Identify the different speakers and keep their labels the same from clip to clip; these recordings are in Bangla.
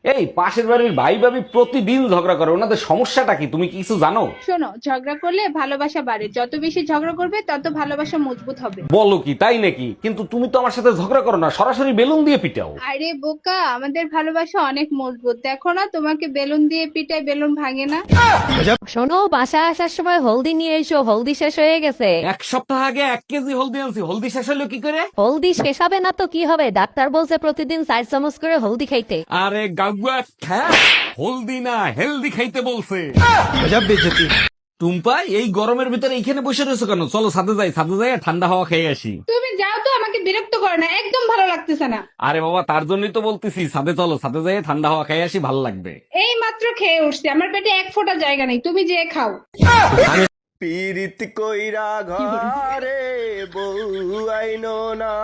Speaker 1: এই পাশের বাড়ির ভাই ভাবি প্রতিদিন ঝগড়া করে, ওনাদের সমস্যাটা কি তুমি কি কিছু জানো?
Speaker 2: শোনো, ঝগড়া করলে ভালোবাসা বাড়ে, যত বেশি ঝগড়া করবে তত ভালোবাসা মজবুত হবে।
Speaker 1: বলো কি তাই নাকি? কিন্তু তুমি তো আমার সাথে ঝগড়া করো না, সরাসরি বেলুন দিয়ে পিটাও।
Speaker 2: আরে বোকা, আমাদের ভালোবাসা অনেক মজবুত, দেখো না তোমাকে বেলুন দিয়ে পিটাই, বেলুন ভাঙে না।
Speaker 3: শোনো, বাসায় আসার সময় হলদি নিয়ে এসো, হলদি শেষ হয়ে গেছে।
Speaker 1: এক সপ্তাহ আগে 1 কেজি হলদি আনছি, হলদি শেষ হলো কি করে?
Speaker 3: হলদি শেষ হবে না তো কি হবে, ডাক্তার বলছে প্রতিদিন 4 চামচ করে হলদি খাইতে।
Speaker 1: আরে গাগুয়া খ্যা, হলদি না হেলদি খাইতে বলছে। টুম্পা, এই গরমের ভিতরে এইখানে বসে রয়েছো কেন? চলো ছাদে যাই, ছাদে যাই ঠান্ডা হাওয়া খেয়ে আসি।
Speaker 2: তুমি যাও তো, আমাকে বিরক্ত করো না, একদম ভালো লাগতেছে না।
Speaker 1: আরে বাবা, তার জন্যই তো বলতেছি ছাদে চলো, ছাদে যাই ঠান্ডা হাওয়া খেয়ে আসি, ভালো লাগবে।
Speaker 2: এই মাত্র খেয়ে উঠছি, আমার পেটে এক ফোঁটা জায়গা নেই, তুমি যে খাও।
Speaker 4: পীড়িত কইরা ঘরে বউ আইনো না,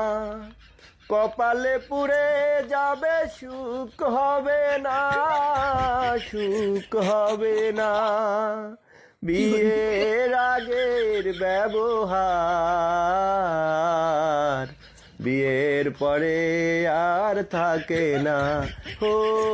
Speaker 4: কপালে পুড়ে যাবে, সুখ হবে না, সুখ হবে না। বিয়ের আগের ব্যবহার বিয়ের পরে আর থাকে না, হো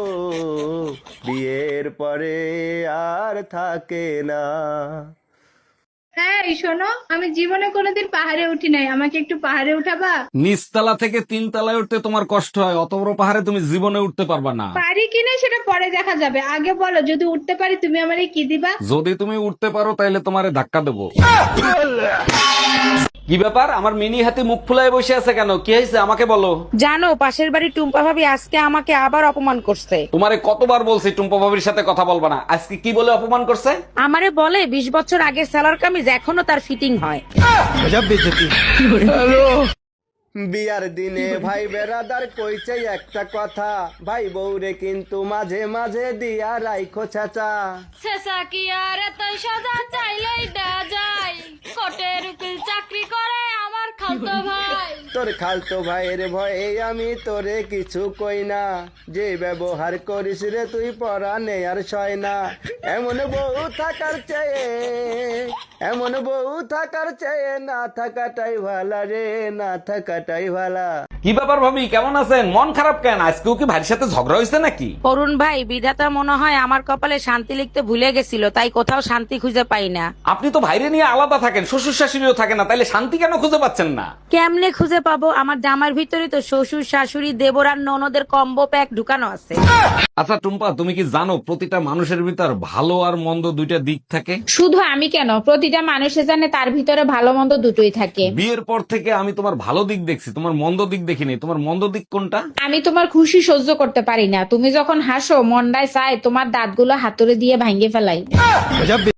Speaker 4: বিয়ের পরে আর থাকে না।
Speaker 2: হ্যাঁ শোনো, আমি জীবনে কোনোদিন পাহাড়ে উঠি নাই, আমাকে একটু পাহাড়ে উঠাবা?
Speaker 1: নিচতলা থেকে 3 তলায় উঠতে তোমার কষ্ট হয়, অত বড় পাহাড়ে তুমি জীবনে উঠতে পারবা না।
Speaker 2: পারি কিনা সেটা পরে দেখা যাবে, আগে বলো যদি উঠতে পারি তুমি আমারে কি দিবা?
Speaker 1: যদি তুমি উঠতে পারো তাহলে তোমারে ধাক্কা দেবো। কি ব্যাপার, আমার মিনি হাতি মুখ ফুলায় বসে আছে কেন? কি হয়েছে আমাকে বলো।
Speaker 5: জানো, পাশের বাড়ি টুম্পা ভাবি আজকে আমাকে আবার অপমান করছে।
Speaker 1: তোমারে কতবার বলছি টুম্পা ভাবির সাথে কথা বলবা না, আজকে কি বলে অপমান করছে?
Speaker 5: আমারে বলে 20 বছর আগের সালোয়ার কামিজ এখনো তার ফিটিং হয়।
Speaker 4: বিয়ার দিনে ভাই বেড়াদার কইছে একটা কথা, ভাই বউরে কিন্তু মাঝে মাঝে দিয়া রাইখো চাচা।
Speaker 6: শেষা কি আর এত সাজা চাইলেই দেয়া যায়, কোটের উকিল চাকরি করে আমার খালতো ভাই।
Speaker 4: তোর খালতো ভাইয়ের ভয়ে আমি তোরে কিছু কই না, যে ব্যবহার করিস রে তুই পরানে আর সয় না। এমন বউ থাকার চেয়ে, এমন বউ থাকার চেয়ে না থাকাটাই ভালা রে, না থাকাটাই ভালা।
Speaker 1: কি ব্যাপার ভাবি, কেমন আছেন? মন খারাপ কেন? আজকেও কি ভাইয়ের সাথে ঝগড়া হয়েছে নাকি?
Speaker 5: অরুণ ভাই, বিধাতা মনে হয় আমার কপালে শান্তি লিখতে ভুলে গেছিল, তাই কোথাও শান্তি খুঁজে পাই না।
Speaker 1: আপনি তো ভাইরে নিয়ে আলাদা থাকেন, শ্বশুর শাশুড়িও থাকে না, তাইলে শান্তি কেন খুঁজে পাচ্ছেন না?
Speaker 5: কেমনে খুঁজে পাবো? আমার জামার ভিতরে তো শ্বশুর শাশুড়ি দেবর আর ননদের কম্বো প্যাক ঢুকানো আছে।
Speaker 1: আচ্ছা টুম্পা, তুমি কি জানো প্রতিটা মানুষের ভিতর ভালো আর মন্দ দুইটা দিক থাকে?
Speaker 2: শুধু আমি কেন, প্রতিটা মানুষে জানে তার ভিতরে ভালো মন্দ দুটোই থাকে।
Speaker 1: বিয়ের পর থেকে আমি তোমার ভালো দিক দেখছি, তোমার মন্দ দিক দেখিনি। তোমার মন্দ দিক কোনটা?
Speaker 2: আমি তোমার খুশি সহ্য করতে পারি না, তুমি যখন হাসো মন্ডায় চায় তোমার দাঁতগুলো হাতুড়ে দিয়ে ভাঙে ফেলাই।